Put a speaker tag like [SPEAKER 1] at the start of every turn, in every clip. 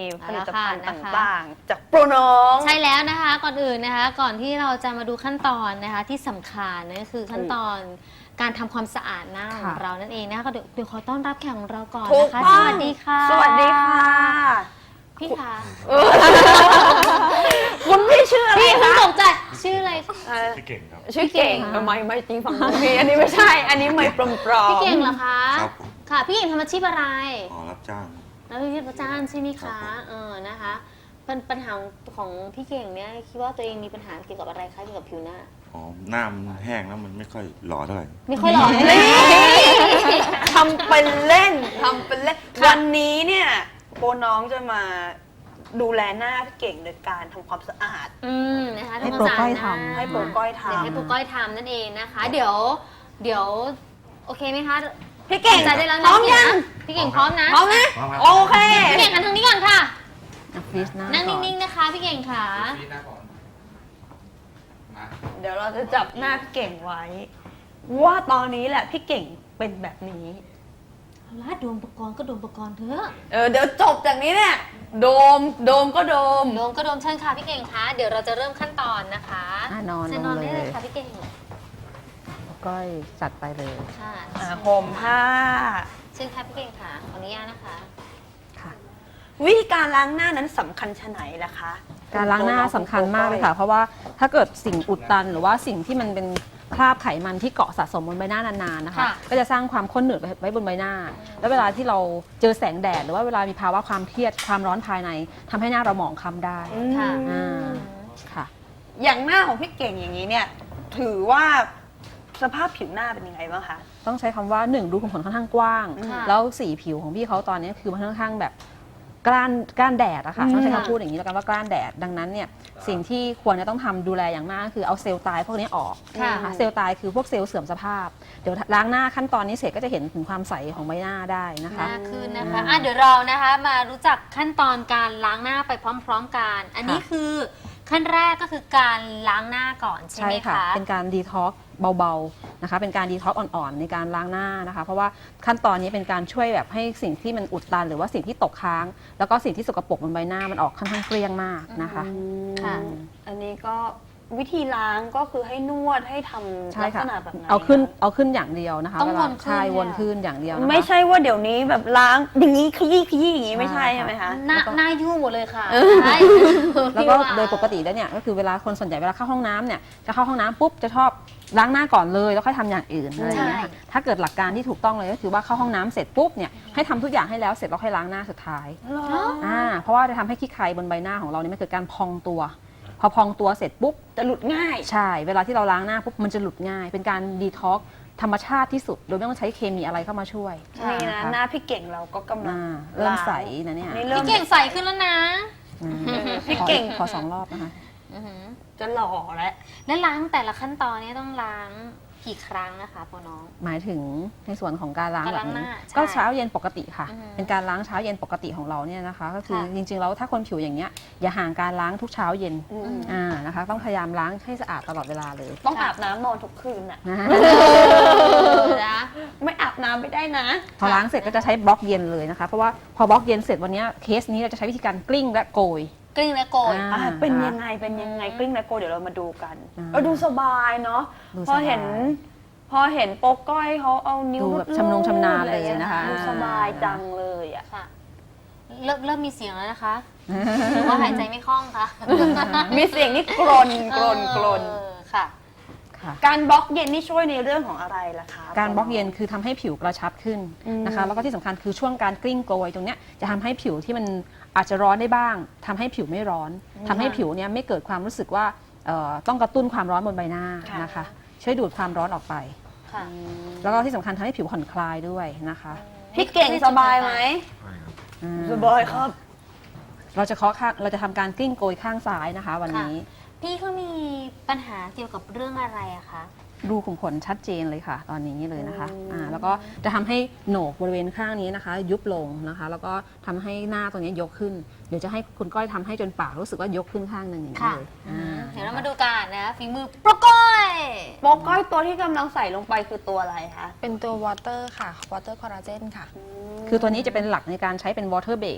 [SPEAKER 1] ผลิตภัณฑ์ต่างๆจากโปรน้อง
[SPEAKER 2] ใช่แล้วนะคะก่อนอื่นนะคะก่อนที่เราจะมาดูขั้นตอนนะคะที่สำคัญนั่นคือขั้นตอนการทำความสะอาดหน้าของเรานั่นเองนะคะเดี๋ยวขอต้อนรับแขกของเราก่อนนะคะสวัสดีค่ะ
[SPEAKER 1] สวัสดีค่ะ
[SPEAKER 2] พี่คะ
[SPEAKER 1] คุณพี่ชื่ออะไร
[SPEAKER 2] พี่
[SPEAKER 1] คะ
[SPEAKER 2] ตกใจชื่ออะไร
[SPEAKER 3] พี่เก่งครับ
[SPEAKER 1] ชื่อเก่งไม่จริงฝั่งพี่อันนี้ไม่ใช่อันนี้ไม่ปลอม
[SPEAKER 2] พี่เก่งเหรอคะ
[SPEAKER 3] ครับ
[SPEAKER 2] ค่ะพี่เก่งทำอาชีพอะไร
[SPEAKER 3] รับจ้าง
[SPEAKER 2] แล้วพี่รับจ้างใช่ไหมคะนะคะปัญหาของพี่เก่งเนี่ยคิดว่าตัวเองมีปัญหาเกี่ยวกับอะไรคะเกี่ยวกับผิวหน้า
[SPEAKER 3] หน้ามันแห้งแล้วมันไม่ค่อยหล่อเท่าไหร่
[SPEAKER 2] ไม่ค่อยหล่อเลย
[SPEAKER 1] ทำเป็นเล่นวันนี้เนี่ยโปรน้องจะมาดูแลหน้าพี่เก่งโดยการทำความสะอาด
[SPEAKER 2] นะคะ
[SPEAKER 4] ให้โปรก้อยทำ
[SPEAKER 1] ให้โปรก้อยทำ
[SPEAKER 2] เดี๋ยวให้โปรก้อยทำนั่นเองนะคะเดี๋ยวโอเคไหมคะ
[SPEAKER 1] พี่เก่ง
[SPEAKER 2] ใจได้แล้วนะ
[SPEAKER 1] พร้อมยัง
[SPEAKER 2] พี่เก่งพร้อมนะ
[SPEAKER 1] พร้อมนะโอเค
[SPEAKER 2] พี่เก่งหันทางนี้ก่อนค่ะนั่ง
[SPEAKER 4] นิ่
[SPEAKER 2] งๆนะคะพี่เก่งค่ะ
[SPEAKER 1] เดี๋ยวเราจะจับหน้าพี่เก่งไว้ว่าตอนนี้แหละพี่เก่งเป็นแบบนี้
[SPEAKER 2] เอาละโดมปกรณ์ก็โดมปกรณ์เถอะ
[SPEAKER 1] เดี๋ยวจบจากนี้เนี่ยโดมก็โดม
[SPEAKER 2] ก็โดมเชิญค่ะพี่เก่งคะเดี๋ยวเราจะเริ่มขั้นตอนนะคะ
[SPEAKER 4] นอน
[SPEAKER 2] ได้เลยค่ะพี่เก่ง
[SPEAKER 4] ก้อยจัดไปเลย
[SPEAKER 2] ค่ะ
[SPEAKER 1] ห่มผ้า
[SPEAKER 2] เชิญค่ะพี่เก่งค่ะขออนุญาตนะคะ
[SPEAKER 4] ค่ะ
[SPEAKER 1] วิธีการล้างหน้านั้นสำคัญชะไหนล่ะคะ
[SPEAKER 4] การล้างหน้าสำคัญมากเลยค่ะเพราะว่าถ้าเกิดสิ่งอุดตันหรือว่าสิ่งที่มันเป็นคราบไขมันที่เกาะสะสมบนใบหน้านานๆนะคะก็จะสร้างความข้นหนืดไว้บนใบหน้าแล้วเวลาที่เราเจอแสงแดดหรือว่าเวลามีภาวะความเครียดความร้อนภายในทำให้หน้าเราหมองคล้ำได้ค่ะ
[SPEAKER 1] อย่างหน้าของพี่เก่งอย่างนี้เนี่ยถือว่าสภาพผิวหน้าเป็นยังไงบ้างคะ
[SPEAKER 4] ต้องใช้คำว่า1ดูขุมขนค่อนข้างกว้างแล้วสีผิวของพี่เขาตอนนี้คือมันค่อนข้างแบบกล้านแดดอะค่ะต้องใช้คำพูดอย่างนี้แล้วกันว่ากล้านแดดดังนั้นเนี่ยสิ่งที่ควรจะต้องทำดูแลอย่างมากคือเอาเซลล์ตายพวกนี้ออกนะคะเซลล์ตายคือพวกเซลล์เสื่อมสภาพเดี๋ยวล้างหน้าขั้นตอนนี้เสร็จก็จะเห็นถึงความใสของใบหน้าได้นะคะ
[SPEAKER 2] มากขึ้นนะคะเดี๋ยวเรานะคะมารู้จักขั้นตอนการล้างหน้าไปพร้อมๆกันอันนี้คือขั้นแรกก็คือการล้างหน้าก่อนใช่ไหมคะ
[SPEAKER 4] เป็นการดีท็อกซ์เบาๆนะคะเป็นการดีท็อกซ์อ่อนๆในการล้างหน้านะคะเพราะว่าขั้นตอนนี้เป็นการช่วยแบบให้สิ่งที่มันอุดตันหรือว่าสิ่งที่ตกค้างแล้วก็สิ่งที่สกปรกบนใบหน้ามันออกค่อนข้างเกลี้ยงมากนะคะ
[SPEAKER 1] อันนี้ก็วิธีล้างก็คือให้นวดให้ทำลักษณะแบบไหน
[SPEAKER 4] เอาขึ้นอย่างเดียวนะคะ
[SPEAKER 2] ต้องวน
[SPEAKER 4] ขึ้นอย่างเดียว
[SPEAKER 1] ไม่ใช่ว่าเดี๋ยวนี้แบบล้างอย่างนี้ขยี้อย่างนี้ไม่ใช่ใช่ไหมคะ
[SPEAKER 2] หน้ายุ่งหมดเลยค่ะ
[SPEAKER 4] แล้วก็โดยปกติแล้วเนี่ยก็คือเวลาคนส่วนใหญ่เวลาเข้าห้องน้ำเนี่ยจะเข้าห้องน้ำปุ๊บจะชอบล้างหน้าก่อนเลยแล้วค่อยทำอย่างอื่นอะไรอย่างเงี้ยถ้าเกิดหลักการที่ถูกต้องเลยก็คือว่าเข้าห้องน้ำเสร็จปุ๊บเนี่ยให้ทำทุกอย่างให้แล้วเสร็จแล้วค่อยล้างหน้าสุดท้ายเพราะว่าจะทำให้ขี้ใครบนใบหน้าของเราเนี่ยมันเกิดการพองตัวพอพองตัวเสร็จปุ๊บ
[SPEAKER 1] จะหลุดง่าย
[SPEAKER 4] ใช่เวลาที่เราล้างหน้าปุ๊บมันจะหลุดง่ายเป็นการดีท็อกซ์ธรรมชาติที่สุดโดยไม่ต้องใช้เคมีอะไรเข้ามาช่วย
[SPEAKER 1] นี่นะหน้าพี่เก่งเราก็กำลัง
[SPEAKER 4] เริ่มใสนะเนี่ย
[SPEAKER 2] พี่เก่งใสขึ้นแล้วนะ
[SPEAKER 4] พี่เก่งขอ2 รอบนะคะ
[SPEAKER 1] จะหล่อ
[SPEAKER 2] และล้างแต่ละขั้นตอนนี้ต้องล้างกี่ครั้งนะคะพ่อน้อง
[SPEAKER 4] หมายถึงในส่วนของการล้างแบบนี้ก็เช้าเย็นปกติค่ะเป็นการล้างเช้าเย็นปกติของเราเนี่ยนะคะก็คือจริงๆแล้วถ้าคนผิวอย่างเงี้ยอย่าห่างการล้างทุกเช้าเย็นนะคะต้องพยายามล้างให้สะอาดตลอดเวลาเลย
[SPEAKER 1] ต้องอาบน้ำนอนทุกคืนอะไม่อาบน้ำไม่ได้นะ
[SPEAKER 4] พอล้างเสร็จก็จะใช้บล็อกเย็นเลยนะคะเพราะว่าพอบล็อกเย็นเสร็จวันนี้เคสนี้เราจะใช้วิธีการกลิ้งและโกย
[SPEAKER 2] กลิ้งและโกย
[SPEAKER 1] เป็นยังไงกลิ้งและโกยเดี๋ยวเรามาดูกันดูสบายเนาะพอเห็นโป๊กก้อยเขาเอานิ้ว
[SPEAKER 4] แบบชำนาญเลยนะคะ
[SPEAKER 1] ดูสบายจังเลยอ่ะ
[SPEAKER 2] ค่ะเริ่มมีเสียงแล้วนะคะหรือว่าหายใจไม่คล่องคะ
[SPEAKER 1] มีเสียงนี่กรน
[SPEAKER 2] ค่ะ
[SPEAKER 1] การบล็อกเย็นนี่ช่วยในเรื่องของอะไรล่ะคะ
[SPEAKER 4] การบล็อกเย็นคือทำให้ผิวกระชับขึ้นนะคะแล้วก็ที่สำคัญคือช่วงการกลิ้งโกยตรงเนี้ยจะทำให้ผิวที่มันอาจจะร้อนได้บ้างทำให้ผิวไม่ร้อนทำให้ผิวเนี้ยไม่เกิดความรู้สึกว่าต้องกระตุ้นความร้อนบนใบหน้านะคะช่วยดูดความร้อนออกไปแล้วก็ที่สำคัญทำให้ผิวผ่อนคลายด้วยนะคะ
[SPEAKER 1] พี่เก่งสบายไหมสบายครับ
[SPEAKER 4] เราจะทำการกลิ้งโกยข้างซ้ายนะคะวันนี้
[SPEAKER 2] พี่เขามีปัญหาเกี่ยวกับเรื่องอะไรอะคะ
[SPEAKER 4] รูขุมขนชัดเจนเลยค่ะตอนนี้เลยนะคะแล้วก็จะทำให้โหนกบริเวณข้างนี้นะคะยุบลงนะคะแล้วก็ทำให้หน้าตรงนี้ยกขึ้นเดี๋ยวจะให้คุณก้อยทำให้จนปากรู้สึกว่ายกขึ้นข้างหนึ่งอย่างนี้เลย
[SPEAKER 2] เดี๋ยวเรามาดูกันนะฝีมือโปรก้อย
[SPEAKER 1] ตัวที่กำลังใส่ลงไปคือตัวอะไรคะ
[SPEAKER 5] เป็นตัววอเตอร์ค่ะวอเตอร์คอลลาเจนค่ะ
[SPEAKER 4] คือตัวนี้จะเป็นหลักในการใช้เป็นวอเตอร์เบส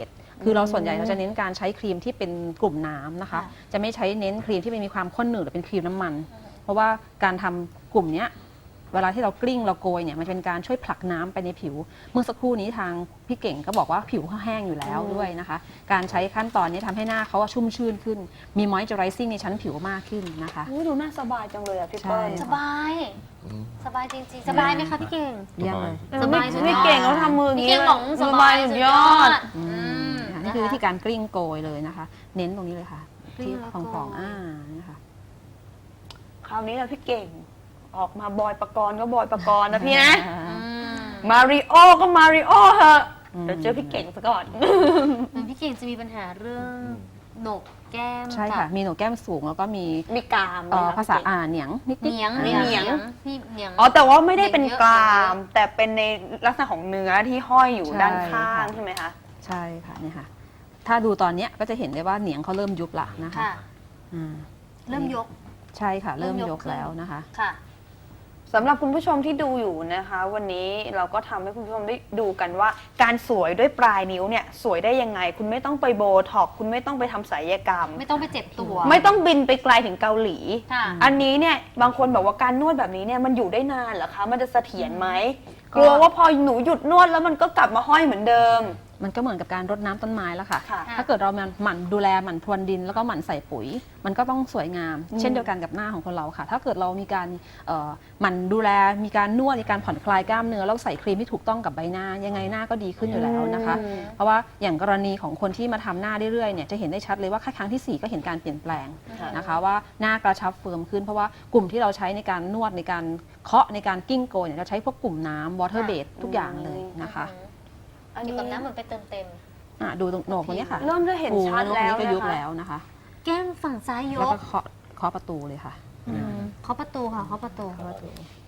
[SPEAKER 4] คือเราส่วนใหญ่เราจะเน้นการใช้ครีมที่เป็นกลุ่มน้ำนะคะ
[SPEAKER 2] ค่ะ
[SPEAKER 4] จะไม่ใช้เน้นครีมที่มันมีความข้นหนืดหรือเป็นครีมน้ำมัน เพราะว่าการทำกลุ่มเนี้ยเวลาที่เรากลิ้งเราโกยเนี่ยมันเป็นการช่วยผลักน้ำไปในผิว เมื่อสักครู่นี้ทางพี่เก่งก็บอกว่าผิวเขาแห้งอยู่แล้วด้วยนะคะ การใช้ขั้นตอนนี้ทำให้หน้าเขาชุ่มชื่นขึ้น มีมอยเจอไรซิ่งในชั้นผิวมากขึ้นนะคะ
[SPEAKER 1] อุ๊ยดูน่าสบายจังเลยอะพี่เปิ้ล
[SPEAKER 4] ใช่
[SPEAKER 2] สบาย สบายจริงๆ สบายไหมคะพี่เก่ง
[SPEAKER 4] เยี่ยมเลย
[SPEAKER 2] สบายสุดยอด
[SPEAKER 1] พี่เก่งเขาทำมืออย่าง
[SPEAKER 2] พี่
[SPEAKER 1] นี้
[SPEAKER 2] เก่งบอกสบายสุดยอด
[SPEAKER 4] อืม
[SPEAKER 2] อืม
[SPEAKER 4] นี่คือวิธีการกลิ้งโกยเลยนะคะ เน้นตรงนี้เลยค่ะ
[SPEAKER 2] กลิ้
[SPEAKER 4] ที่
[SPEAKER 2] งแล้ว
[SPEAKER 4] ข
[SPEAKER 2] โกย
[SPEAKER 4] องนะคะ
[SPEAKER 1] คราวนี้แหละพี่เก่ง ออกมาบอยปกรณ์ก็บอยปกรณ์นะพี่นะ
[SPEAKER 2] อืม
[SPEAKER 1] มาริโอก็มาริโอเหอะ
[SPEAKER 4] อืม
[SPEAKER 1] เดี๋ยวเจอพี่เก่งซะก่อน
[SPEAKER 2] เหมือนพี่เก่งจะมีปัญหาเรื่องโหนกแก้ม
[SPEAKER 4] ใช่ค่ะ มีโหนกแก้มสูงแล้วก็มี
[SPEAKER 1] มีกรามไหมคะ
[SPEAKER 4] ภาษา
[SPEAKER 1] พี่เก่ง
[SPEAKER 4] เหนียงนิดๆ
[SPEAKER 2] เหนียง
[SPEAKER 1] เหนียง
[SPEAKER 2] พี่เหนียง
[SPEAKER 1] อ๋อแต่ว่าไม่ได้เป็น
[SPEAKER 2] เยอะ
[SPEAKER 1] กราม แต่เป็นในลักษณะของเนื้อที่ห้อยอยู่
[SPEAKER 4] ใช่
[SPEAKER 1] ด้านข้าง
[SPEAKER 4] ค่ะ
[SPEAKER 1] ใช่ไหมคะ
[SPEAKER 4] ใช่ค่ะเนี่ยค่ะ ถ้าดูตอนเนี้ยก็จะเห็นได้ว่าเหนียงเขาเริ่มยุบละนะคะ
[SPEAKER 2] ค่ะ
[SPEAKER 4] อ่า
[SPEAKER 2] เริ่มยก
[SPEAKER 4] ใช่ค่ะ เริ่มยก
[SPEAKER 2] ขึ้น
[SPEAKER 4] แล้วนะคะ
[SPEAKER 2] ค่ะ
[SPEAKER 1] สำหรับคุณผู้ชมที่ดูอยู่นะคะ วันนี้เราก็ทำให้คุณผู้ชมได้ดูกันว่า การสวยด้วยปลายนิ้วเนี่ยสวยได้ยังไง คุณไม่ต้องไปโบท็อกซ์คุณไม่ต้องไปทำศัลยกรรม
[SPEAKER 2] ไม่ต้องไปเจ็บตัว
[SPEAKER 1] ไม่ต้องบินไปไกลถึงเกาหลี
[SPEAKER 2] ค่ะ
[SPEAKER 1] อันนี้เนี่ยบางคนบอกว่าการนวดแบบนี้เนี่ยมันอยู่ได้นานเหรอคะ มันจะเสถียรไหม
[SPEAKER 4] ก็
[SPEAKER 1] กลัวว่าพอหนูหยุดนวดแล้วมันก็กลับมาห้อยเหมือนเดิม
[SPEAKER 4] มันก็เหมือนกับการรดน้ำต้นไม้แล้วค่ะ
[SPEAKER 1] ค่ะ
[SPEAKER 4] ถ้าเกิดเราหมั่นดูแลหมั่นพรวนดินแล้วก็หมั่นใส่ปุ๋ย มันก็ต้องสวยงาม เช่นเดียวกันกับหน้าของคนเราค่ะ ถ้าเกิดเรามีการหมั่นดูแลมีการนวดมีการผ่อนคลายกล้ามเนื้อแล้วใส่ครีมที่ถูกต้องกับใบหน้า ยังไงหน้าก็ดีขึ้นอยู่แล้วนะคะ
[SPEAKER 1] อืม
[SPEAKER 4] เพราะว่าอย่างกรณีของคนที่มาทำหน้าเรื่อยๆเนี่ยจะเห็นได้ชัดเลยว่าแค่ครั้งที่ 4 ก็เห็นการเปลี่ยนแปลงนะคะว่าหน้ากระชับเฟิร์มขึ้น เพราะว่ากลุ่มที่เราใช้ในการนวดในการเคาะในการกิ้งโกยเนี่ยเราใช้พวกกลุ่มน้ำวอเตอร์เบสทุกอย่างเลยนะคะ
[SPEAKER 1] อัน
[SPEAKER 2] อยู่
[SPEAKER 1] นี้
[SPEAKER 2] กับน้ำเหมือนไปเติมเต็ม
[SPEAKER 4] ดูตรงโหนกตรงนี้ค่ะ
[SPEAKER 1] เริ่มจะเห็นชัด
[SPEAKER 4] โอ้
[SPEAKER 1] แล้ว
[SPEAKER 4] โหตรงนี้ก็ยุบ
[SPEAKER 1] นะคะ
[SPEAKER 4] แล้วนะคะ
[SPEAKER 2] แก้มฝั่งซ้ายย
[SPEAKER 4] แล้ว
[SPEAKER 2] ก
[SPEAKER 4] ก็เคาะประตูเลยค่ะ
[SPEAKER 2] เคาะประตูค่ะเคาะประตู
[SPEAKER 4] เคาะประตู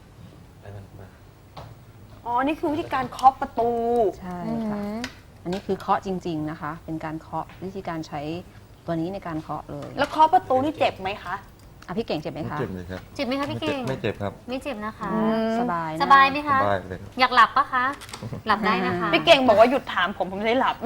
[SPEAKER 1] อ๋อ นี่คือวิธีการเคาะประตู
[SPEAKER 4] ใช่ค่ะ อันนี้คือเคาะจริง ๆนะคะ เป็นการเคาะวิธีการใช้ตัวนี้ในการเคาะเลย
[SPEAKER 1] แล้วเคาะประตูนี่เจ็บไหมคะ
[SPEAKER 4] อ่ะพี่เก่งเจ็บไหม
[SPEAKER 3] ไม่
[SPEAKER 4] คะ
[SPEAKER 3] เจ็บเลยครับ
[SPEAKER 2] เจ็บไหมคะพี่เก่ง
[SPEAKER 3] ไม่เจ็บครับ
[SPEAKER 2] ไม่เจ็บนะคะ
[SPEAKER 4] สบายนะ
[SPEAKER 2] สบายไหม
[SPEAKER 3] ส
[SPEAKER 2] คะ
[SPEAKER 3] บายเลยครับ
[SPEAKER 2] อยากหลับปะคะ หลับได้นะคะ
[SPEAKER 1] พี่เก่งบอกว่าหยุดถามผมจะได้หลับ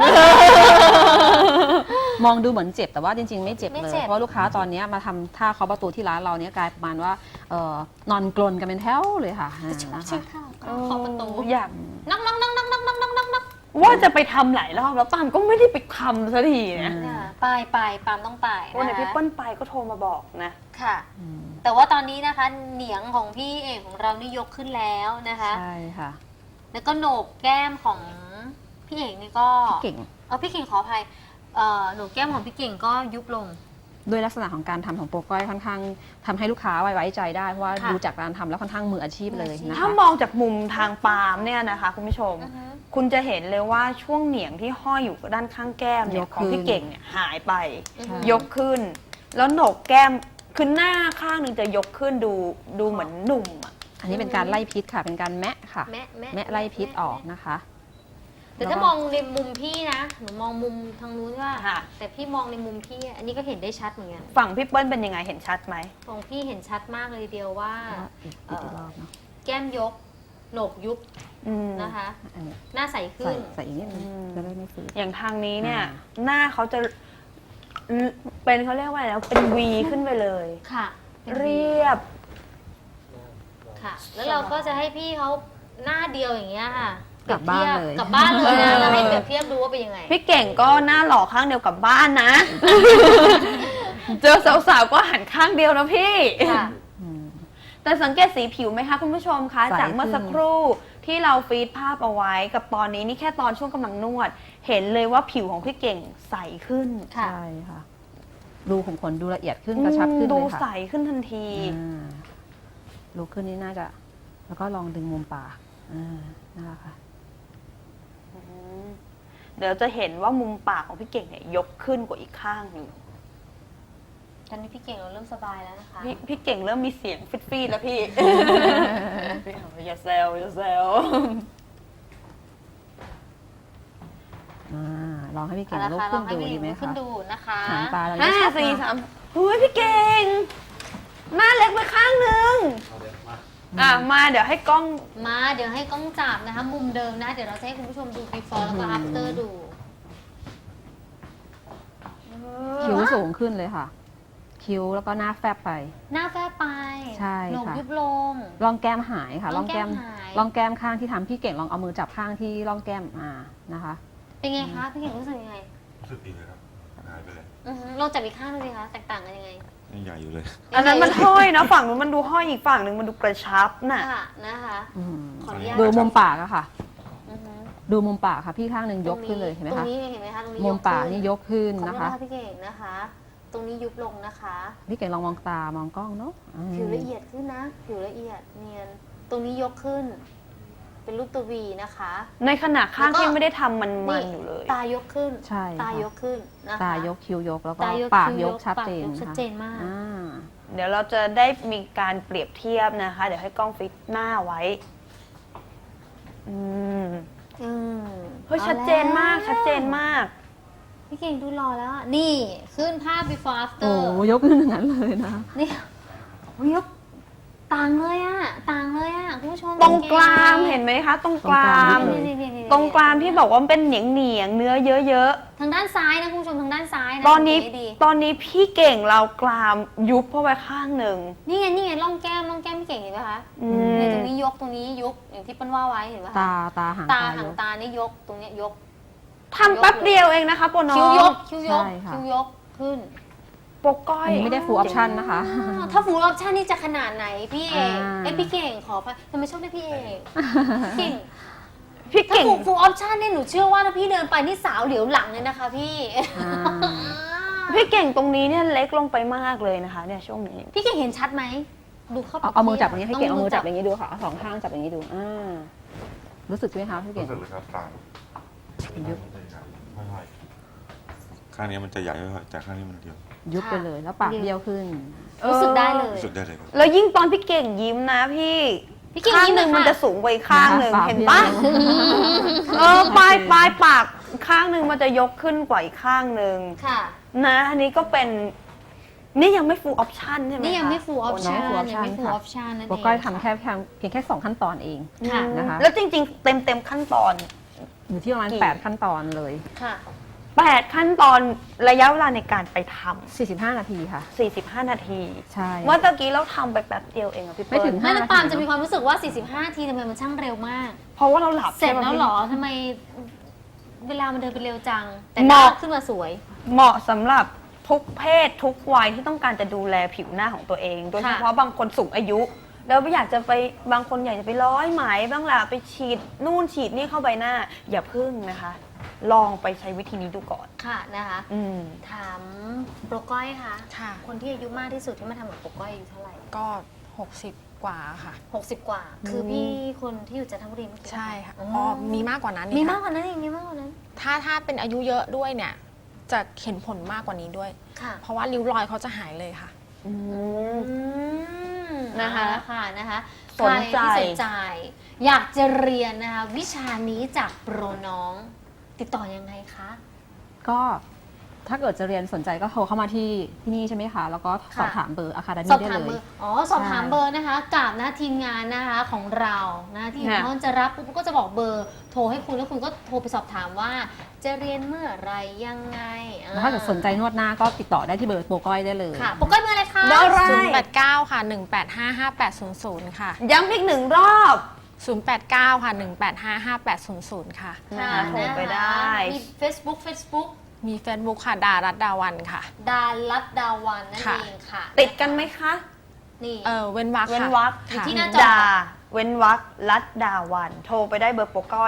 [SPEAKER 4] มองดูเหมือนเจ็บแต่ว่าจริง ๆ ไม่เจ็บ
[SPEAKER 2] ไม่
[SPEAKER 4] เลย
[SPEAKER 2] เจ็บ
[SPEAKER 4] เพราะลูกค้าตอนนี้มาทำท่าเคาะประตูที่ร้านเราเนี่ยกลายประมาณว่านอนกลนกันเป็นแถวเลยค่ะนะคะ
[SPEAKER 2] ใช่ค่ะเคาะประตู
[SPEAKER 1] อยาก
[SPEAKER 2] นักนักนักนักนักนักนักนักนัก
[SPEAKER 1] ว่าจะไปทำหลายรอบแล้วปามก็ไม่ได้ไปทำสักทีนะ
[SPEAKER 2] ไปปาล์มต้องไป
[SPEAKER 1] วันไหน
[SPEAKER 2] นะคะ
[SPEAKER 1] พี่เปิ้ลไปก็โทรมาบอกนะ
[SPEAKER 2] ค่ะ
[SPEAKER 4] อืม
[SPEAKER 2] แต่ว่าตอนนี้นะคะ เหนียงของพี่เอกของเรานี่ยกขึ้นแล้วนะคะ
[SPEAKER 4] ใช่ค่ะ
[SPEAKER 2] แล้วก็โหนกแก้มของพี่เอกนี่ก็
[SPEAKER 4] พี่เก่ง
[SPEAKER 2] พี่เก่งขออภัยโหนกแก้มของพี่เก่งก็ยุบลง
[SPEAKER 4] ด้วยลักษณะของการทำของโปรก้อยค่อนข้างทำให้ลูกค้าไว้ใจได้เพราะว่า
[SPEAKER 2] ค่ะ
[SPEAKER 4] ดูจากการทำแล้วค่อนข้างมืออาชีพเลยนะ
[SPEAKER 1] ถ้า
[SPEAKER 4] คะ
[SPEAKER 1] มองจากมุมทางปาล์มเนี่ยนะคะคุณผู้ชม
[SPEAKER 2] อือฮึ
[SPEAKER 1] คุณจะเห็นเลยว่าช่วงเหนียงที่ห้อยอยู่ด้านข้างแก้มเนี่ย
[SPEAKER 4] ยก
[SPEAKER 1] ของ
[SPEAKER 4] ขึ้น
[SPEAKER 1] พี่เก่งเนี่ยหายไป
[SPEAKER 2] อือฮึ
[SPEAKER 1] ยกขึ้น แล้วโหนกแก้มคือหน้าข้างหนึ่งจะยกขึ้นดูเหมือนหนุ่มอะ
[SPEAKER 4] อันนี้เป็นการไล่พิษค่ะ เป็นการแมะค่ะ
[SPEAKER 2] แม่
[SPEAKER 4] แมะไล่พิษออกนะคะ
[SPEAKER 2] แต่ถ้ามองในมุมพี่นะหนูมองมุมทางนู้นว่า
[SPEAKER 1] ค่ะ
[SPEAKER 2] แต่พี่มองในมุมพี่อันนี้ก็เห็นได้ชัดเหมือนกัน
[SPEAKER 1] ฝั่งพี่เปิ้ลเป็นยังไงเห็นชัดไหม
[SPEAKER 2] ของพี่เห็นชัดมากเลยทีเดียวว่า
[SPEAKER 4] อีกรอบเนาะ
[SPEAKER 2] แก้มยกโหนกยุบ
[SPEAKER 1] อืม
[SPEAKER 2] นะคะ
[SPEAKER 4] อันนี้
[SPEAKER 2] หน้าใสขึ้
[SPEAKER 4] ใส่
[SPEAKER 2] น
[SPEAKER 4] ใส่อีกนิดนึง
[SPEAKER 1] อืม
[SPEAKER 4] จะได้ไม่ฝืด
[SPEAKER 1] อย่างทางนี้เนี่ย
[SPEAKER 4] อ่า
[SPEAKER 1] หน้าเขาจะเป็นเขาเรียกว่าอะไรนะเป็นวีขึ้นไปเลย
[SPEAKER 2] ค่ะ
[SPEAKER 1] เรียบ
[SPEAKER 2] ค่ะ แล้วเราก็จะให้พี่เขาหน้าเดียวอย่างเงี้ยค่ะ
[SPEAKER 4] กลับบ้านเลย
[SPEAKER 2] กลับบ้านเลยนะ
[SPEAKER 1] เออ
[SPEAKER 2] แล้วให้เปรียบเทียบดูว่าเป็นยังไง
[SPEAKER 1] พี่เก่งก็หน้าหล่อข้างเดียวกับบ้านนะ เจอสาวๆก็หันข้างเดียวนะพี่
[SPEAKER 2] ค่ะ
[SPEAKER 4] อืม
[SPEAKER 1] แต่สังเกตสีผิวไหมคะคุณผู้ชมคะ
[SPEAKER 4] ใส
[SPEAKER 1] จากเมื่อสักครู่ที่เราฟีดภาพเอาไว้กับตอนนี้นี่แค่ตอนช่วงกำลังนวด เห็นเลยว่าผิวของพี่เก่งใสขึ้น
[SPEAKER 2] ค่ะ
[SPEAKER 4] ใช่ค่ะ ดูขุมขนดูละเอียดขึ้นกระชับขึ้น
[SPEAKER 1] ดู
[SPEAKER 4] เลย
[SPEAKER 1] ใส
[SPEAKER 4] ค่ะ
[SPEAKER 1] ขึ้นทันที
[SPEAKER 4] ลุกขึ้นนี่น่าจะ แล้วก็ลองดึงมุมปากนะคะค่ะ
[SPEAKER 1] เดี๋ยวจะเห็นว่ามุมปากของพี่เก่งเนี่ยยกขึ้นกว่าอีกข้างหนึ่ง
[SPEAKER 2] ตอนนี้พี่เก่งเราเริ่มสบายแล้วนะคะ
[SPEAKER 1] พี่เก่งเริ่มมีเสียงฟิดๆแล้วพี่ อย่าแซวอย่าแซว
[SPEAKER 4] ลองให้พี่เก่ง
[SPEAKER 2] เอา
[SPEAKER 4] ลุก
[SPEAKER 2] ละค่ะล
[SPEAKER 4] ขึ้
[SPEAKER 2] อน งให้
[SPEAKER 4] ดู
[SPEAKER 2] พี่
[SPEAKER 4] ดีไหม
[SPEAKER 2] ขึ้
[SPEAKER 4] คะ
[SPEAKER 2] นดูนะคะ
[SPEAKER 4] หางตาเรา
[SPEAKER 1] ห้า
[SPEAKER 4] จะชัด
[SPEAKER 1] สี่
[SPEAKER 4] มาก
[SPEAKER 1] สามเฮ้ยพี่เก่ง หน้าเล็กไปข้างหนึ่งมาเดี๋ยวให้กล้อง
[SPEAKER 2] มาเดี๋ยวให้กล้องจับนะคะ มุมเดิมนะ เดี๋ยวเราจะให้คุณผู้ชมดู before แล้วก็ after ดู
[SPEAKER 4] คิ้วสูงขึ้นเลยค่ะ คิ้วแล้วก็หน้าแฟบไป
[SPEAKER 2] หน้าแฟบไป
[SPEAKER 4] ใช่
[SPEAKER 2] โหนก
[SPEAKER 4] ค่ะ
[SPEAKER 2] ยุบลง
[SPEAKER 4] ร่องแก้มหายค่ะ
[SPEAKER 2] ร่องแก้มหาย
[SPEAKER 4] ร่องแก้มข้างที่ทำพี่เก่งลองเอามือจับข้างที่ร่องแก้มนะคะ
[SPEAKER 2] เป็นไงคะพี่เก่งรู้สึกยังไง
[SPEAKER 3] รู้สึกดีเลยครับหายไปเลย
[SPEAKER 2] ลองจับอีกข้างดูสิคะแตกต่างกันยังไง
[SPEAKER 3] ยังใหญ่อยู่เลย
[SPEAKER 1] อันนั้นมันห้อยนะฝั่งนู้นมันดูห้อยอีกฝั่งหนึ่งมันดูกระชับน่ะ
[SPEAKER 2] ค่ะนะคะ
[SPEAKER 4] อืม
[SPEAKER 2] ขออนุญาต
[SPEAKER 4] ดูมุมปากอะค่ะ
[SPEAKER 2] อือฮึ
[SPEAKER 4] ดูมุมปากค่ะ พี่ข้างหนึ่งยกขึ้นเลยเห็นไหม
[SPEAKER 2] ตร
[SPEAKER 4] คะ
[SPEAKER 2] งนี้เห็นไหมคะตรงนี้
[SPEAKER 4] มุมปาก
[SPEAKER 2] ขึ้
[SPEAKER 4] นี่ยกขึ้น
[SPEAKER 2] ขอโทษ
[SPEAKER 4] นะคะ
[SPEAKER 2] พี่เก่งนะคะ ตรงนี้ยุบลงนะคะ
[SPEAKER 4] พี่เก่งลองมองตามองกล้องเนาะ
[SPEAKER 2] ผิวละเอียดขึ้นนะผิวละเอียดเนียนตรงนี้ยกขึ้น เป็นรูปตัววีนะคะ
[SPEAKER 1] ในขณะข้าง
[SPEAKER 2] แล้วก็
[SPEAKER 1] ที่ไม่ได้ทำมันอยู่เลย
[SPEAKER 2] ตายกขึ้น
[SPEAKER 4] ใช่ค่ะ
[SPEAKER 2] ตายกขึ้นนะคะ
[SPEAKER 4] ตายกคิ้วยกแล้วก็
[SPEAKER 2] ตายก
[SPEAKER 4] ปาก
[SPEAKER 2] คิ้วย
[SPEAKER 4] ย
[SPEAKER 2] ก
[SPEAKER 4] กชัดเจน
[SPEAKER 2] ปากยกชัด
[SPEAKER 4] ค่ะ
[SPEAKER 2] เจนมาก
[SPEAKER 4] อ่า
[SPEAKER 1] เดี๋ยวเราจะได้มีการเปรียบเทียบนะคะ เดี๋ยวให้กล้องฟิตหน้าไว้ อืม
[SPEAKER 2] อืม
[SPEAKER 1] เฮ้ยชัดเจนมาก ชัดเจนมาก
[SPEAKER 2] พี่เก่งดูรอแล้วอะนี่ขึ้นภาพ before
[SPEAKER 4] โอ้
[SPEAKER 2] after
[SPEAKER 4] ยกขึ้นอย่างนั้นเลยนะ
[SPEAKER 2] นี่โอ้ยยกต่างเลยอะต่างเลยอะคุณผู้ชม
[SPEAKER 1] ตรงกลางเห็นไหมคะ ตรงกลาง
[SPEAKER 2] นี่ๆๆๆ
[SPEAKER 1] ตรงกลางที่บอกว่ามันเป็นเหนียงเหนียงๆเนื้อเยอะ
[SPEAKER 2] ทางด้านซ้ายนะคุณผู้ชมทางด้านซ้ายนะ
[SPEAKER 1] ๆ ตอนนี้
[SPEAKER 2] สังเกตให้ดี
[SPEAKER 1] ตอนนี้พี่เก่งเรากรามยุบเข้าไปข้างหนึ่ง
[SPEAKER 2] นี่ไงร่องแก้มพี่เก่งเห็นไหมคะ
[SPEAKER 1] อื
[SPEAKER 2] เนี่ย
[SPEAKER 1] ม
[SPEAKER 2] ตรงนี้ยกตรงนี้ยกอย่างที่เปิ้ลว่าไว้เห็นไหมคะ
[SPEAKER 4] ตาหาง
[SPEAKER 2] ตา
[SPEAKER 4] ตา
[SPEAKER 2] หาย ง
[SPEAKER 4] ก
[SPEAKER 2] ตานี่ยกตรงเนี้ยยก
[SPEAKER 1] ทำแป๊บเดียวเองนะคะโปรน้อ
[SPEAKER 2] คิ้วย
[SPEAKER 1] ง
[SPEAKER 2] กคิ้วยก
[SPEAKER 4] ใช่ค่ะ
[SPEAKER 2] คิ้วยกขึ้น
[SPEAKER 1] โปกก้อย
[SPEAKER 4] อันนี้ไม่ได้ full option นะคะ
[SPEAKER 2] ถ้าฟูลออปชั่นนี่จะขนาดไหนพี่เอก
[SPEAKER 4] อ่า
[SPEAKER 2] เอ้ยพี่เก่งขอพทำไมชอบเรียกพี่เอกเก่ง
[SPEAKER 1] พี่
[SPEAKER 2] ถ้า
[SPEAKER 1] เก่ง
[SPEAKER 2] ฟูลออปชั่นเนี่ยหนูเชื่อว่าถ้าพี่เดินไปนี่สาวเหลียวหลังเลยนะคะพี่
[SPEAKER 4] อ่า
[SPEAKER 1] พี่เก่งตรงนี้เนี่ยเล็กลงไปมากเลยนะคะ เนี่ยช่วงนี้
[SPEAKER 2] พี่เก่งเห็นชัดไหมดูเข้าไป
[SPEAKER 4] เอามือจับอย่างนี้ให้เก่งเอามือจับอย่างนี้ดูค่ะเอาสองข้างจับอย่างนี้ดูรู้สึกไหมคะพี่เก่ง
[SPEAKER 3] รู้สึกเลยครับต่าง
[SPEAKER 4] ยุบ
[SPEAKER 3] ค่อยๆข้างนี้มันจะใหญ่ค่อยๆแต่ข้างนี้มันเดียว
[SPEAKER 4] ยุบไปเลยแล้วปากเบี้ยวขึ้น
[SPEAKER 2] รู้สึกได้เลย
[SPEAKER 3] รู้สึกได้เลยครับ
[SPEAKER 1] แล้วยิ่งตอนพี่เก่งยิ้มนะพี่
[SPEAKER 2] พี่เก่ง
[SPEAKER 1] ข้าง
[SPEAKER 2] ยิ้ม
[SPEAKER 1] หนึ่ง
[SPEAKER 2] เลยค่ะ
[SPEAKER 1] มันจะสูงไปอีกข้างหนึ่ง
[SPEAKER 4] ปาก
[SPEAKER 1] เห็น
[SPEAKER 4] เบี้
[SPEAKER 1] ปะ
[SPEAKER 4] ยว
[SPEAKER 1] ปลายปากข้างหนึ่งมันจะยกขึ้นกว่าอีกข้างหนึ่ง
[SPEAKER 2] ค่ะ
[SPEAKER 1] นะอันนี้ก็เป็นนี่ยังไม่ full option ใช่ไหม
[SPEAKER 2] นี่ยังไม่
[SPEAKER 1] คะ
[SPEAKER 2] full option
[SPEAKER 4] ยังไม่ full
[SPEAKER 2] ยังไม่
[SPEAKER 4] option
[SPEAKER 2] full
[SPEAKER 4] ค่ะ
[SPEAKER 2] option นั่นเอง
[SPEAKER 4] โปรก้อยทำแค่เพียงแค่2ขั้นตอนเอง
[SPEAKER 2] ค่ะ
[SPEAKER 4] นะคะ
[SPEAKER 1] แล้วจริงๆ เต็มขั้นตอน
[SPEAKER 4] อยู่ที่ประมาณ8ขั้นตอนเลย
[SPEAKER 2] ค่ะ
[SPEAKER 1] 8 ขั้นตอนระยะเวลาในการไปท
[SPEAKER 4] 45 นาทีค่ะ
[SPEAKER 1] ำ45 นาที
[SPEAKER 4] ใช่
[SPEAKER 1] เมื่อตะกี้เราทำไปแป๊บเดียวเองอะพี่เปิ้ล
[SPEAKER 4] ไม่ถึง
[SPEAKER 2] แม่น้ำปาล์มจะมีความรู้สึกว่า 45นาทีทำไมมันช่างเร็วมาก
[SPEAKER 1] เพราะว่าเราหลับ
[SPEAKER 2] เสร็จ
[SPEAKER 1] ใช่ไม
[SPEAKER 2] แล้ว
[SPEAKER 1] พี่
[SPEAKER 2] เหรอทำไมเวลามันเดินไปเร็วจัง แต่ห
[SPEAKER 1] เห
[SPEAKER 2] น้า
[SPEAKER 1] มาะ
[SPEAKER 2] ขึ้นมาสวย
[SPEAKER 1] เหมาะสำหรับทุกเพศทุกวัยที่ต้องการจะดูแลผิวหน้าของตัวเอง โดยเฉพาะบางคนสูงอายุ แล้วอยากจะไปบางคนอยากจะไปร้อยไหมบ้างล่ะไปฉีดนู่นฉีดนี่เข้าใบหน้า อย่าพึ่งนะคะ ลองไปใช้วิธีนี้ดูก่อน
[SPEAKER 2] ค่ะนะคะ
[SPEAKER 1] อืม
[SPEAKER 2] ถามโปรก้อยค่ะ
[SPEAKER 5] ค่ะ
[SPEAKER 2] คนที่อายุมากที่สุดที่มาทำกับโปรก้อยอายุเท่าไหร่
[SPEAKER 5] ก็ 60 กว่าค่ะ
[SPEAKER 2] 60 กว่า คือพี่คนที่อยู่จันทบุรีเมื่อกี้
[SPEAKER 5] ใช่ค่ะ
[SPEAKER 2] อ๋
[SPEAKER 5] อ๋
[SPEAKER 2] อ
[SPEAKER 5] อมีมากกว่านั้น
[SPEAKER 2] มี
[SPEAKER 5] นี่
[SPEAKER 2] มาก
[SPEAKER 5] ค่ะ
[SPEAKER 2] กว่านั้นอีกมีมากกว่านั้น
[SPEAKER 5] ถ้าเป็นอายุเยอะด้วยเนี่ย จะเห็นผลมากกว่านี้ด้วย
[SPEAKER 2] ค่ะ
[SPEAKER 5] เพราะว่าริ้วรอยเขาจะหายเลยค่ะ
[SPEAKER 1] อืม
[SPEAKER 2] อืม
[SPEAKER 1] นะคะ
[SPEAKER 2] เอาละค่ะนะคะ
[SPEAKER 1] สนใจ
[SPEAKER 2] ใครที่สนใจ อยากจะเรียนนะคะวิชานี้จากโปรน้อง ติดต่อยังไงคะ
[SPEAKER 4] ก็ถ้าเกิดจะเรียนสนใจก็โทรเข้ามาที่นี่ใช่ไหมคะ แล้วก็สอบถามเบอร์ Academy
[SPEAKER 2] สอบ
[SPEAKER 4] ได้
[SPEAKER 2] ถาม
[SPEAKER 4] เล
[SPEAKER 2] เบอย ร์สอบถามเบอร์นะคะกับนะทีมงานนะคะของเรานะทีม
[SPEAKER 1] ค่ะ
[SPEAKER 2] เขาจะรับปุ๊บก็จะบอกเบอร์โทรให้คุณแล้วคุณก็โทรไปสอบถามว่า จะเรียนเมื่อไหรยังไง
[SPEAKER 4] แล้วถ้าเกิดสนใจนวดหน้าก็ติดต่อได้ที่เบอร์โปรก้อยได้เลย
[SPEAKER 2] ค่ะโปรก้อยเบอร์อะไรคะ
[SPEAKER 1] เบอร์อะไร
[SPEAKER 5] 089 ค่ะ 1855800 ค่ะ
[SPEAKER 1] ย้ำอีกหนึ่งรอบ
[SPEAKER 5] 089 ค่ะ 1855800 ค่ะ
[SPEAKER 2] ค่ะ
[SPEAKER 1] โทรไปได้
[SPEAKER 2] มี Facebook
[SPEAKER 5] มี Facebook ค่ะ ดารัตดาวันค่ะ
[SPEAKER 2] ดารัตดาวันนั่น
[SPEAKER 5] ค่ะ
[SPEAKER 2] เองค่ะ
[SPEAKER 1] ติดกันไหมคะ
[SPEAKER 2] นี่
[SPEAKER 5] เว้นวรรค
[SPEAKER 1] เว้น
[SPEAKER 5] ค่ะ
[SPEAKER 1] วรรค
[SPEAKER 5] ค่ะ
[SPEAKER 2] ที่หน้าจอ
[SPEAKER 1] ดา เว้นวรรคลัดดาวัน โทรไปได้เบอร์โปรก้อย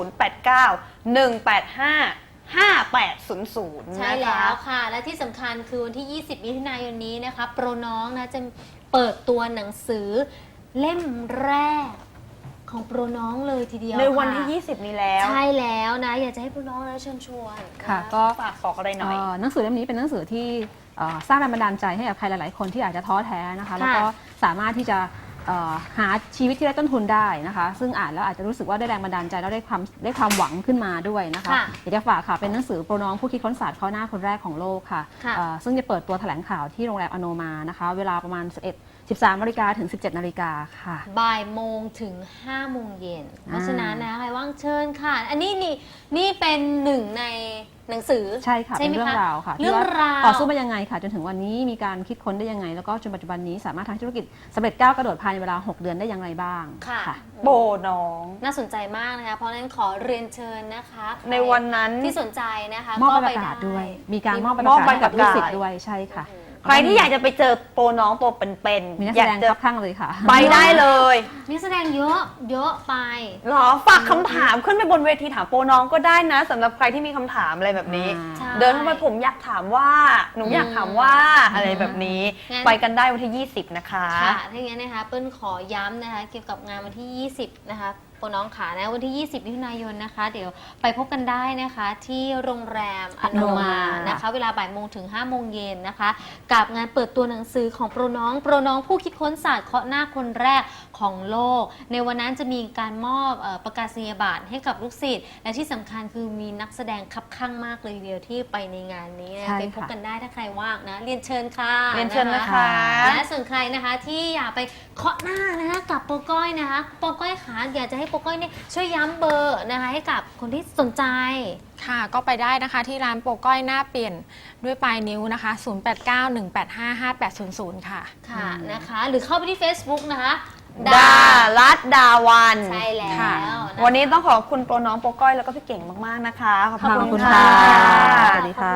[SPEAKER 1] 089-185-5800
[SPEAKER 2] ใช่แล้วค่ะ และที่สำคัญคือวันที่ 20 มิถุนายนนี้นะคะ โปรน้องนะจะเปิดตัวหนังสือเล่มแรกของโปรน้องเลยทีเดียว
[SPEAKER 1] ในวันที่
[SPEAKER 2] ค่ะ
[SPEAKER 1] 20 นี้แล้ว
[SPEAKER 2] ใช่แล้วนะ อยากจะให้โปรน้องนะเชิญชวน
[SPEAKER 4] ค่ะ
[SPEAKER 2] น
[SPEAKER 4] ก็
[SPEAKER 1] ฝากบอกอะไรหน่อย
[SPEAKER 4] หนังสือเล่มนี้เป็นหนังสือที่สร้างแรงบันดาลใจให้กับใครหลาย ๆ คนที่อาจจะท้อแท้นะคะ แล้วก็สามารถที่จะหาชีวิตที่ได้ต้นทุนได้นะคะ ซึ่งอ่านแล้วอาจจะรู้สึกว่าได้แรงบันดาลใจแล้วได้ความหวังขึ้นมาด้วยนะคะ
[SPEAKER 2] ค่ะ
[SPEAKER 4] อยากจะฝากค่ะเป็นหนังสือโปรน้องผู้คิดค้นศาสตร์ข้อหน้าคนแรกของโลกค่ะ
[SPEAKER 2] ค่ะ
[SPEAKER 4] ซึ่งจะเปิดตัวแถลงข่าวที่โรงแรมอโนมานะคะ เวลาประมาณ13 นาฬิกาถึง 17 นาฬิกาค่ะ
[SPEAKER 2] บ่ายโมงถึง 5 โมงเย็น เพราะฉะนั้นนะใครว่างเชิญค่ะ อันนี้นี่เป็นหนึ่งในหนังสือ
[SPEAKER 4] ใช่ค่ะเป็น
[SPEAKER 2] ไหม
[SPEAKER 4] เรื่อง
[SPEAKER 2] คะ
[SPEAKER 4] ราวค่ะ
[SPEAKER 2] เรื่อง
[SPEAKER 4] ที่ว่
[SPEAKER 2] ราว
[SPEAKER 4] ต่อสู้มายังไงค่ะจนถึงวันนี้มีการคิดค้นได้ยังไง แล้วก็จนปัจจุบันนี้สามารถทำธุรกิจสำเร็จก้าวกระโดดภายในเวลา 6 เดือนได้อย่างไรบ้าง
[SPEAKER 2] ค่ะ
[SPEAKER 1] โบน้อง
[SPEAKER 2] น่าสนใจมากนะคะ เพราะฉะนั้นขอเรียนเชิญนะคะ
[SPEAKER 1] ในวันนั้น
[SPEAKER 2] ที่สนใจนะคะ
[SPEAKER 4] มอบใบ
[SPEAKER 2] ก็
[SPEAKER 4] ประกาศ
[SPEAKER 2] ไ
[SPEAKER 4] ด้วย มีการมอบใบ
[SPEAKER 1] มอบ
[SPEAKER 4] ประกาศให้กับ
[SPEAKER 1] ใบ
[SPEAKER 4] ลู
[SPEAKER 1] ประ
[SPEAKER 4] ก
[SPEAKER 1] กาศ
[SPEAKER 4] ศิษย์ด้วยใช่ค่ะ
[SPEAKER 1] ใครที่อยากจะไปเจอโปรน้องโปรเป็นๆ
[SPEAKER 4] มีนัก
[SPEAKER 1] อ
[SPEAKER 4] แส
[SPEAKER 1] ยาก
[SPEAKER 4] ดง
[SPEAKER 1] จะ
[SPEAKER 4] ครับข้างเลยค่ะ
[SPEAKER 1] ไปได้เลย
[SPEAKER 2] นักแสดงเยอะเยอะไป
[SPEAKER 1] เหรอฝากคำถามขึ้นไปบนเวทีถามโปรน้องก็ได้นะสำหรับใครที่มีคำถามอะไรแบบนี้
[SPEAKER 2] ใช่
[SPEAKER 1] เดินเข้าไปผมอยากถามว่าหนูอยากถามว่าอะไรแบบนี้
[SPEAKER 2] งั้น
[SPEAKER 1] ไปกันได้วันที่ 20 นะคะ
[SPEAKER 2] ค่ะถ้าอย่างนั้นนะคะเปิ้ลขอย้ำนะคะเกี่ยวกับงานวันที่ 20 นะคะโปรน้องขานะวันที่ 20 มิถุนายนนะคะ เดี๋ยวไปพบกันได้นะคะที่โรงแรมอโนมานะคะ เวลาบ่ายโมงถึง5โมงเย็นนะคะ กับงานเปิดตัวหนังสือของโปรน้องผู้คิดค้นศาสตร์เคาะหน้าคนแรกของโลก ในวันนั้นจะมีการมอบประกาศนียบัตรให้กับลูกศิษย์และที่สำคัญคือมีนักแสดงคับข้างมากเลยทีเดียวที่ไปในงานนี้นะ
[SPEAKER 4] ใช่
[SPEAKER 2] ไป
[SPEAKER 4] ค่ะ
[SPEAKER 2] พบกันได้ถ้าใครว่างนะเรียนเชิญค่ะ
[SPEAKER 1] เรียนเชิญนะคะ
[SPEAKER 2] และส่วนใครนะคะที่อยากไปเคาะหน้านะคะกับโปรก้อยนะคะโปรก้อยขาอยากจะให้โปรก้อยเนี่ยช่วยย้ำเบอร์นะคะให้กับคนที่สนใจ
[SPEAKER 5] ค่ะก็ไปได้นะคะที่ร้านโปรก้อยหน้าเปลี่ยนด้วยปลายนิ้วนะคะ 0891855800 ค่ะ
[SPEAKER 2] ค่ะนะคะ หรือเข้าไปที่ Facebook นะคะ
[SPEAKER 1] ดารัตดาวัน
[SPEAKER 2] ใช่แล้ว
[SPEAKER 5] ค่ะ
[SPEAKER 2] นะคะ
[SPEAKER 1] วันนี้ต้องขอบคุณโปรน้องโปรก้อยแล้วก็พี่เก่งมากๆนะคะ ขอบ
[SPEAKER 4] ขอบ
[SPEAKER 1] คุ
[SPEAKER 4] คุณ ณ
[SPEAKER 1] ค่ะ
[SPEAKER 4] ค่ะ สวัสดีค่ะ